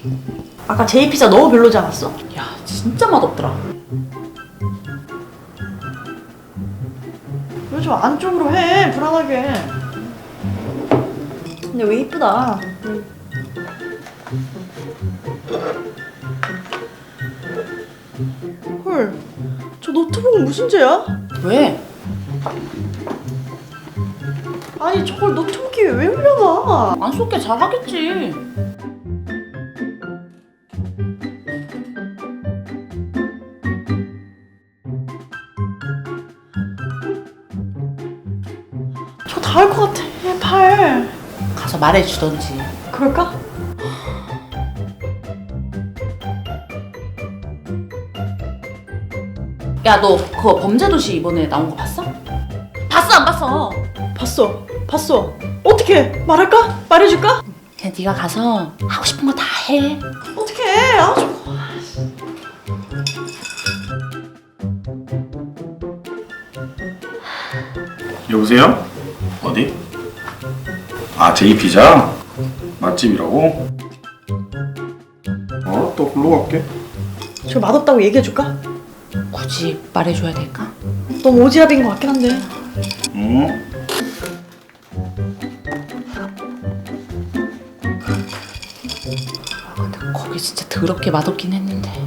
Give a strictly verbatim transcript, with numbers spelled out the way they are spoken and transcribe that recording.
아까 제이 피자 너무 별로지 않았어? 야 진짜 맛없더라. 왜 좀 안쪽으로 해, 불안하게. 근데 왜 이쁘다. 헐, 저 노트북은 무슨 죄야? 왜? 아니 저걸 노트북에 왜 올려놔? 안 쏟게 잘하겠지. 저 다 할 것 같아, 팔. 가서 말해주던지. 그럴까? 야 너 그거 범죄도시 이번에 나온 거 봤어? 봤어 안 봤어? 봤어, 봤어. 어떻게 말할까? 말해줄까? 그냥 네가 가서 하고 싶은 거 다 해. 어떻게? 아, 저... 여보세요? 어디? 아, 제이 피자? 맛집이라고? 어, 또 글로 갈게. 저 맛없다고 얘기해줄까? 굳이 말해줘야 될까? 너무 오지랖인 것 같긴 한데. 응? 아 근데 거기 진짜 더럽게 맛없긴 했는데.